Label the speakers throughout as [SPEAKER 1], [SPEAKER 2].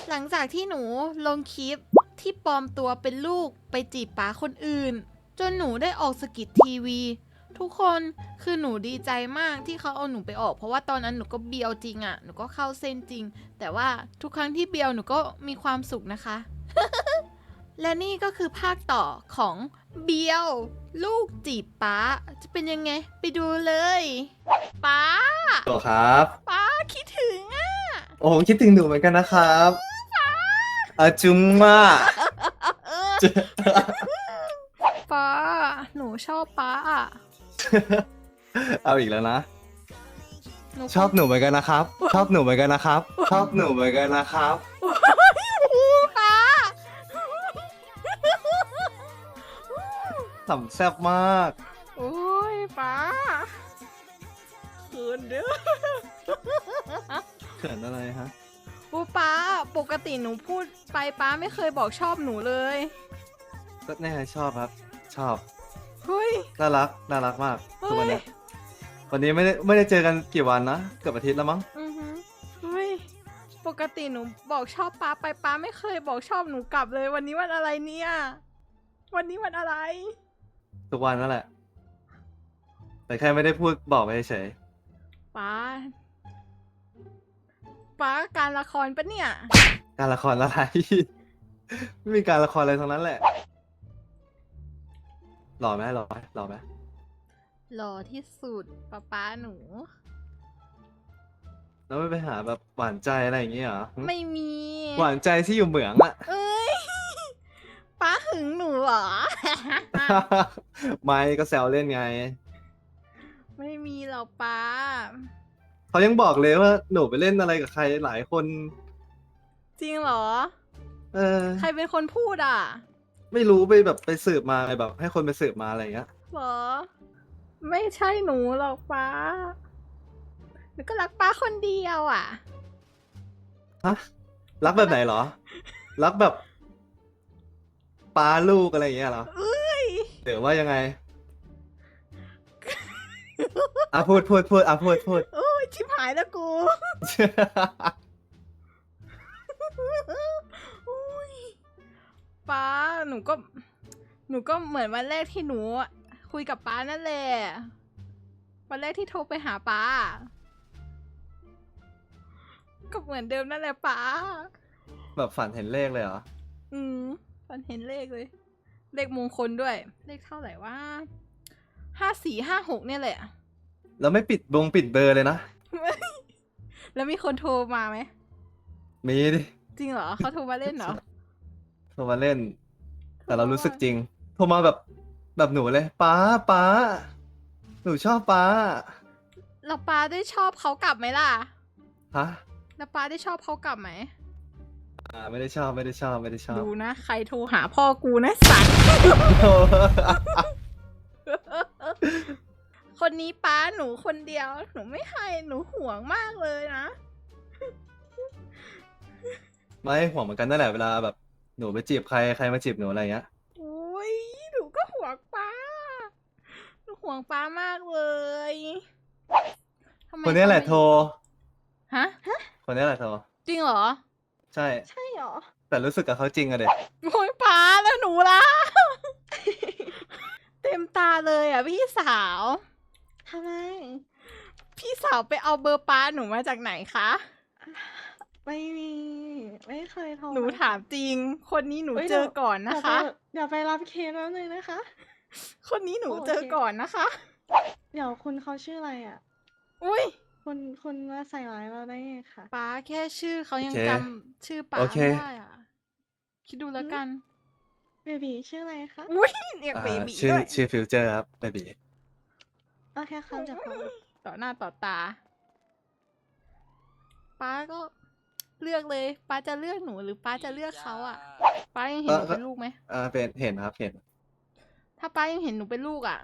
[SPEAKER 1] หลังจากที่หนูลงคลิปที่ปลอมตัวเป็นลูกไปจีบป๋าคนอื่นจนหนูได้ออกสกิททีวีทุกคนคือหนูดีใจมากที่เขาเอาหนูไปออกเพราะว่าตอนนั้นหนูก็เบียวจริงอะหนูก็เข้าเส้นจริงแต่ว่าทุกครั้งที่เบียวหนูก็มีความสุขนะคะ และนี่ก็คือภาคต่อของเบียวลูกจีบป๋าจะเป็นยังไงไปดูเลยป๋า
[SPEAKER 2] โหลครับ
[SPEAKER 1] ป๋าคิดถึงอะ
[SPEAKER 2] โอ้ผมคิดถึงหนูเหมือนกันนะครับอาจุมมา
[SPEAKER 1] ป๋าหนูชอบป๋าอะ
[SPEAKER 2] เอาอีกแล้วนะ
[SPEAKER 1] หนู
[SPEAKER 2] ชอบหนูเหมือนกันนะครับ ชอบหนูเหมือนกันนะครับ ชอบหนูเหมือนกันนะครับ
[SPEAKER 1] ป๋า
[SPEAKER 2] สำแซ่บมาก
[SPEAKER 1] โอ้ยป๋าเขินเด้อ
[SPEAKER 2] เขินอะไรฮะ
[SPEAKER 1] โอ้ป๋าปกติหนูพูดไปป๋าไม่เคยบอกชอบหนูเลย
[SPEAKER 2] ก็แน่ชอบครับ ชอบ
[SPEAKER 1] เฮ้ย
[SPEAKER 2] น่ารัก น่ารักมาก
[SPEAKER 1] เฮ้
[SPEAKER 2] ทุกวัน
[SPEAKER 1] ย
[SPEAKER 2] เนี้ยวันนี้ไม่ได้เจอกันกี่วันนะ เกือบอาทิตย์แล้วมั้ง
[SPEAKER 1] อือหือเฮ้ยปกติหนูบอกชอบป๋าไปป๋าไม่เคยบอกชอบหนูกลับเลย วันนี้วันอะไรเนี่ย วันนี้วันอะไร
[SPEAKER 2] ทุกวันนั่นแหละ แต่แค่ไม่ได้พูดบอกไปเฉย
[SPEAKER 1] ป๋าป๋าการละครปะเนี่ย
[SPEAKER 2] การละครอะไร ไม่มีการละครอะไรทั้งนั้นแหละ หล่อไหมหล่อไหมหล่อไหม
[SPEAKER 1] หล่อที่สุดป๊าหนู
[SPEAKER 2] แล้วไม่ไปหาแบบหวานใจอะไรอย่างเงี้ยเหรอหึ
[SPEAKER 1] ไม่มี
[SPEAKER 2] หวานใจที่อยู่เหมืองอะ
[SPEAKER 1] เอ้ย ป้าหึงหนูเหรอ
[SPEAKER 2] ไม่ก็แซวเล่นไง
[SPEAKER 1] ไม่มีหรอกป้า
[SPEAKER 2] เขายังบอกเลยว่าหนูไปเล่นอะไรกับใครหลายคน
[SPEAKER 1] จริงเหรอ
[SPEAKER 2] เออ
[SPEAKER 1] ใครเป็นคนพูดอ่ะ
[SPEAKER 2] ไม่รู้ไปแบบไปสืบมาแบบ ให้คนไปสืบมาอะไรอย่างเงี้ย
[SPEAKER 1] เหรอ ไม่ใช่หนูหรอกป้าหนูก็รักป้าคนเดียวอ่ะ
[SPEAKER 2] ฮะ รักแบบไหนเหรอ รักแบบป้าลูกอะไรอย่างเงี้ยเหรอ
[SPEAKER 1] เอ้ย
[SPEAKER 2] หรือว่ายังไง อ่ะพูดอ่ะพูด
[SPEAKER 1] โอ้ยชิบหายแล้วกูโอ้ยป้าหนูก็เหมือนวันแรกที่หนูคุยกับป้านั่นแหละ วันแรกที่โทรไปหาป้า ก็เหมือนเดิมนั่นแหละป้า
[SPEAKER 2] แบบฝันเห็นเลขเลยเหรอ
[SPEAKER 1] ฝันเห็นเลขเลย เลขมงคลด้วย เลขเท่าไหร่ว่า5456เนี่ยแหละ
[SPEAKER 2] แล้วไม่ปิดเบอร์เลยนะ
[SPEAKER 1] แล้วมีคนโทรมาไหม
[SPEAKER 2] มีดิ
[SPEAKER 1] จริงเหรอเขาโทรมาเล่นเหรอ
[SPEAKER 2] โทรมาเล่น แต่เรารู้สึกจริง โทรมาแบบหนูเลยป้าหนูชอบป้า
[SPEAKER 1] แล้วป้าได้ชอบเขากลับไหมล่ะ
[SPEAKER 2] ฮะ
[SPEAKER 1] แล้วป้าได้ชอบเขากลับไหม
[SPEAKER 2] ไม่ได้ชอบ
[SPEAKER 1] ดูนะ ใครโทรหาพ่อกูนะสัตว์ คนนี้ป้าหนูคนเดียว หนูไม่ให้หนูห่วงมากเลยนะ
[SPEAKER 2] ไม่ห่วงเหมือนกันนั่นแหละเวลาแบบหนูไปจีบใครมาจีบหนูอะไรเงี้ย
[SPEAKER 1] โอ้ยหนูก็ห่วงป้า หนูห่วงป้ามากเลยทำไม
[SPEAKER 2] คนนี้แหละ
[SPEAKER 1] เขาไม่
[SPEAKER 2] โทร
[SPEAKER 1] ฮะ
[SPEAKER 2] คนนี้แหละโทร
[SPEAKER 1] จริงเหรอ
[SPEAKER 2] ใช่
[SPEAKER 3] ใช่หรอ
[SPEAKER 2] แต่รู้สึกกับเขาจริงอะเด็ก
[SPEAKER 1] โอ้ยป้าแล้วหนูล่ะ เต็มตาเลยอ่ะพี่สาว
[SPEAKER 3] ทำไม
[SPEAKER 1] พี่สาวไปเอาเบอร์ป้าหนูมาจากไหนคะ
[SPEAKER 3] ไม่มี ไม่เคยโทร
[SPEAKER 1] หนู
[SPEAKER 3] ไป
[SPEAKER 1] ถามจริง คนนี้หนู
[SPEAKER 3] ฮ้ย
[SPEAKER 1] เจอก่อนนะคะ
[SPEAKER 3] เดี๋ยวไปรับเคสแล้วนึงนะคะ
[SPEAKER 1] คนนี้หนู
[SPEAKER 3] โอเค
[SPEAKER 1] เจอก่อนนะคะ
[SPEAKER 3] เดี๋ยวคุณเขาชื่ออะไรอ่ะ
[SPEAKER 1] อุ้ย
[SPEAKER 3] คุณมาใส่ร้ายเราได้ไงคะ
[SPEAKER 1] ป้าแค่ชื่อเขายัง
[SPEAKER 2] โอเค
[SPEAKER 1] จำชื่อป้า
[SPEAKER 2] โอเค
[SPEAKER 1] ไม่ได้อ่ะ คิดดูแล้วกัน
[SPEAKER 3] เบบีชื่ออะไรคะ
[SPEAKER 1] อุ้ยเรียกเบบี
[SPEAKER 2] ชื่อ
[SPEAKER 1] ด้วย
[SPEAKER 2] ชื่อฟิวเจอร์ครับเบบี
[SPEAKER 3] โอเคครับเดี๋ยวเขา
[SPEAKER 1] ต่อหน้าต่อตา ป้าก็เลือกเลย ป้าจะเลือกหนูหรือป้าจะเลือกเขาอ่ะ ป้ายังเห็นหนูเป็นลูกไหม
[SPEAKER 2] เป็นเห็นครับเห็น
[SPEAKER 1] ถ้าป้ายังเห็นหนูเป็นลูกอ่ะ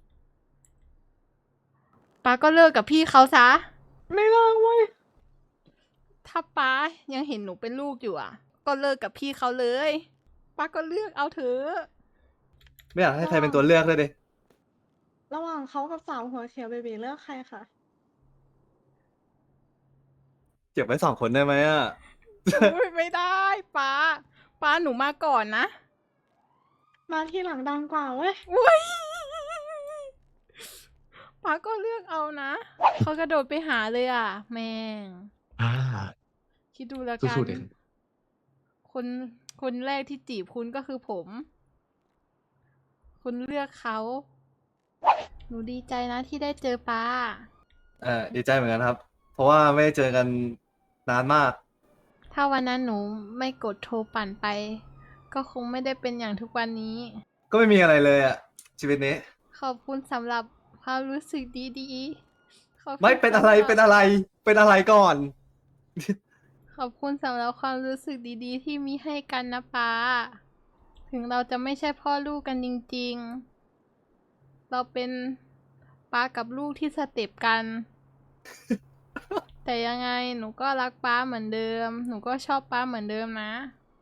[SPEAKER 1] ป้าก็เลิกกับพี่เขาซะ
[SPEAKER 3] ไม่เลิกเว้ย
[SPEAKER 1] ถ้าป้ายังเห็นหนูเป็นลูกอยู่อ่ะ ก็เลิกกับพี่เขาเลย ป้าก็เลือกเอาเถอะ
[SPEAKER 2] ไม่อยากให้ใครเป็นตัวเลือกเลยดิ
[SPEAKER 3] ระหว่างเขากับสาวหัวเขียวเบบีเลือกใครคะ
[SPEAKER 2] เก็บไว้2 คนได้ไหมอะ
[SPEAKER 1] อุ๊ยไม่ได้ป้าป้าหนูมาก่อนนะ
[SPEAKER 3] มาที่หลังดังกว่าเว้ย
[SPEAKER 1] อุ้ยป้าก็เลือกเอานะ เขากระโดดไปหาเลยอ่ะ แม่ง
[SPEAKER 4] อ่า
[SPEAKER 1] คิดดูแล้วกัน
[SPEAKER 4] สู้ๆเด็ก
[SPEAKER 1] คนคนแรกที่จีบคุณก็คือผม คุณเลือกเขา หนูดีใจนะที่ได้เจอป้า
[SPEAKER 2] ดีใจเหมือนกันครับ เพราะว่าไม่ได้เจอกันนานมาก
[SPEAKER 1] ถ้าวันนั้นหนูไม่กดโทรปั่นไป ก็คงไม่ได้เป็นอย่างทุกวันนี้
[SPEAKER 2] ก็ไม่มีอะไรเลยอะชีวิตนี้
[SPEAKER 1] ขอบคุณสำหรับความรู้สึกดีๆขอบคุณ
[SPEAKER 2] ไม่เป็นอะไร
[SPEAKER 1] สำหบ
[SPEAKER 2] เป็นอะไร เป็นอะไรก่อน
[SPEAKER 1] ขอบคุณสำหรับความรู้สึกดีๆ ที่มีให้กันนะป้า ถึงเราจะไม่ใช่พ่อลูกกันจริงๆ เราเป็นป้ากับลูกที่สเต็ปกัน แต่ยังไงหนูก็รักป้าเหมือนเดิม หนูก็ชอบป้าเหมือนเดิมนะ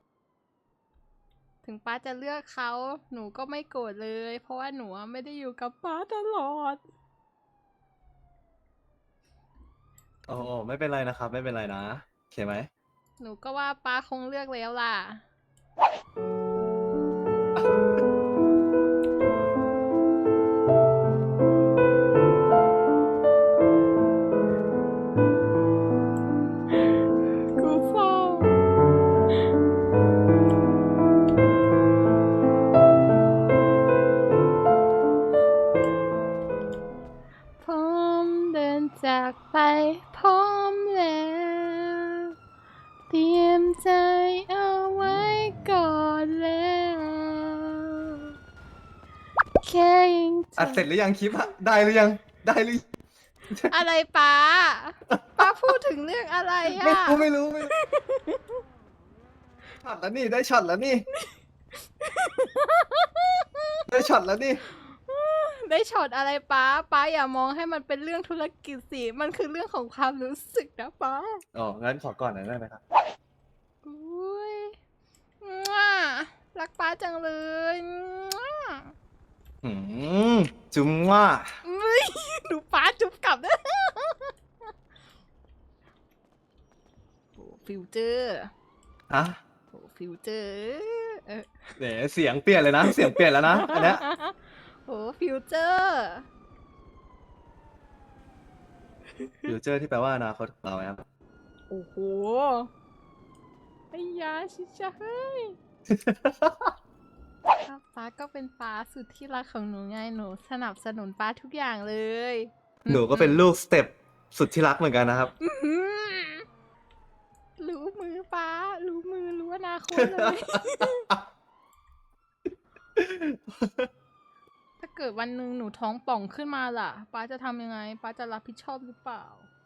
[SPEAKER 1] ถึงป้าจะเลือกเขา หนูก็ไม่โกรธเลย เพราะว่าหนูอะไม่ได้อยู่กับป้าตลอด
[SPEAKER 2] โอ้ไม่เป็นไรนะครับ ไม่เป็นไรนะโอเคไหม
[SPEAKER 1] หนูก็ว่าป้าคงเลือกแล้วล่ะ กูเศร้าพร้อมเดินจากไปพร้อมแล้ว เตรียมใจเอาไว้ก่อนแล้ว แค่ยัง
[SPEAKER 2] อัดเสร็จหรือยังคลิปอะได้หรือยัง ได้หรือ
[SPEAKER 1] อะไรป้า ป้าพูดถึงเรื่องอะไร
[SPEAKER 2] ไม่
[SPEAKER 1] อ่ะ
[SPEAKER 2] รู้ไม่รู้ไม่รู้ช็อตแล้วนี่ได้ช็อตแล้วนี่ ได้ช็อตแล้วนี่
[SPEAKER 1] ได้ช็อตอะไรป้า ป้าอย่ามองให้มันเป็นเรื่องธุรกิจสิ มันคือเรื่องของความรู้สึกนะป้า
[SPEAKER 2] อ๋อ งั้นขอก่อนหน่อยได้ไหมครับ
[SPEAKER 1] อุ้ยมั่วรักป้าจังเลยมั่ว
[SPEAKER 2] อืมจุ๊มว่า
[SPEAKER 1] อุ้ยดูป้าจุ๊บกลับด้วยโอ้ฟิวเจอร์
[SPEAKER 2] ฮะ
[SPEAKER 1] โอ้ฟิวเจอร์เออ
[SPEAKER 2] เดี๋ยวเสียงเปลี่ยนเลยนะ เสียงเปลี่ยนแล้วนะ อันเนี้ย
[SPEAKER 1] โอ้ฟิวเจอร์
[SPEAKER 2] ฟิวเจอร์ที่แปลว่าอนาคตของเราครับ
[SPEAKER 1] โอ้โหไอ้ยาชิชะเฮ้ย ครับป้าก็เป็นป้าสุดที่รักของหนูไง หนูสนับสนุนป้าทุกอย่างเลย
[SPEAKER 2] หนูก็เป็นลูกสเต็ปสุดที่รักเหมือนกันนะครับ
[SPEAKER 1] อื้อหือรู้มือป้า รู้มือรู้อนาคตเลย ถ้าเกิดวันหนึ่งหนูท้องป่องขึ้นมาล่ะ ป้าจะทำยังไง ป้าจะรับผิดชอบหรือเปล่า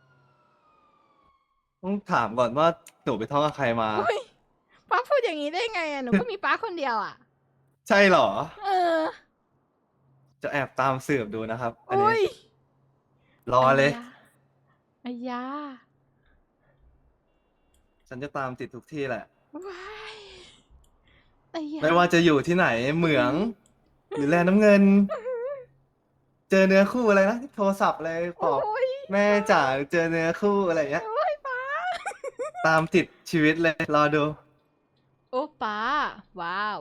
[SPEAKER 2] ต้องถามก่อนว่าหนูไปท้องกับใครมา
[SPEAKER 1] อุ้ยป้าพูดอย่างนี้ได้ไงอ่ะ หนูก็มีป้าคนเดียวอ่ะ
[SPEAKER 2] ใช่เหรอ
[SPEAKER 1] เออ
[SPEAKER 2] จะแอบตามสืบดูนะครับ อัน
[SPEAKER 1] อุ้
[SPEAKER 2] นี้
[SPEAKER 1] ย
[SPEAKER 2] รอเลย
[SPEAKER 1] อายา
[SPEAKER 2] ฉันจะตามติดทุกที่แหละ
[SPEAKER 1] ว้ายอายา
[SPEAKER 2] ไม่ว่าจะอยู่ที่ไหนเหมือง หรือแลน้ำเงิน เจอเนื้อคู่อะไรนะโทรศัพท์อะไรบอก
[SPEAKER 1] โอ้ย
[SPEAKER 2] แม่จ๋าเจอเนื้อคู่อะไรอย่างเงี้ย
[SPEAKER 1] โอ้ยป้า
[SPEAKER 2] ตามติดชีวิตเลย รอดู
[SPEAKER 1] โอ้ป้า ว้าว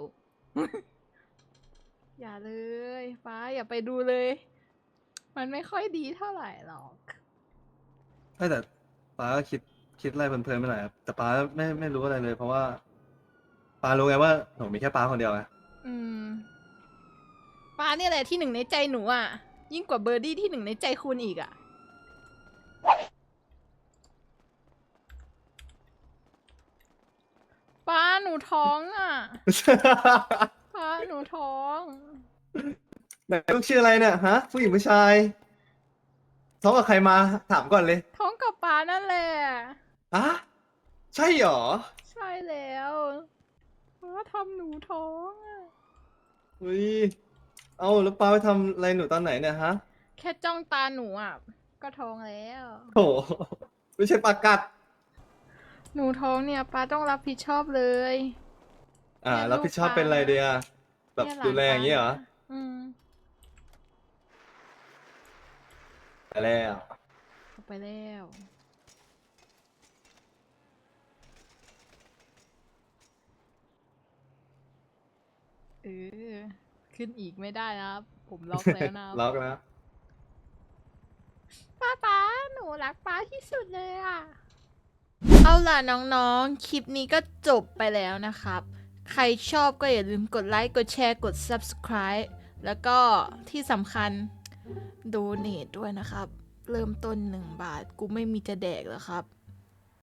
[SPEAKER 1] อย่าเลย ป้าอย่าไปดูเลย มันไม่ค่อยดีเท่าไหร่หรอก
[SPEAKER 2] แต่ป้าก็คิดอะไรเพลินๆไปหน่อยครับแต่ป้าไม่รู้อะไรเลย เพราะว่าป้ารู้ไงว่าหนูมีแค่ป้าคนเดียวไง
[SPEAKER 1] อืม ป้าเนี่ยแหละที่หนึ่งในใจหนูอ่ะ ยิ่งกว่าเบอร์ดี้ที่หนึ่งในใจคุณอีกอ่ะ ป้าหนูท้องอ่ะ ป้าหนูท้อง
[SPEAKER 2] ไหนลูกชื่ออะไรเนี่ยฮะ ผู้หญิงผู้ชายท้องกับใครมาถามก่อนเลย
[SPEAKER 1] ท้องกับป้านั่นแหละ
[SPEAKER 2] อะใช่เหรอ
[SPEAKER 1] ใช่แล้วป้าทำหนูท้องอ่ะ
[SPEAKER 2] อุ้ยเอาแล้วป้าไปทำอะไรหนูตอนไหนเนี่ยฮะ
[SPEAKER 1] แค่จ้องตาหนูอ่ะ ก็ท้องแล้ว
[SPEAKER 2] โถไม่ใช่ปลากัด
[SPEAKER 1] หนูท้องเนี่ยป้าต้องรับผิดชอบเลย เนี่ย
[SPEAKER 2] รับผิดชอบเป็นอะไรเดียแบบ
[SPEAKER 1] เนี่ยหลาน
[SPEAKER 2] ดูแลอย่างนี้เหรอ
[SPEAKER 1] ป้าอืม
[SPEAKER 2] ไปแล้ว
[SPEAKER 1] เอาไปแล้วเออ ขึ้นอีกไม่ได้นะครับ ผมล็อกแล้วนะครับ
[SPEAKER 2] ล็อกแล้ว
[SPEAKER 1] ป๊าหนูรักป๊าที่สุดเลยอ่ะ เอาล่ะน้องๆ คลิปนี้ก็จบไปแล้วนะครับ ใครชอบก็อย่าลืมกดไลค์ กดแชร์ กด subscribe แล้วก็ที่สำคัญ donate ด้วยนะครับ เริ่มต้น1 บาท กูไม่มีจะแดกแล้วครับ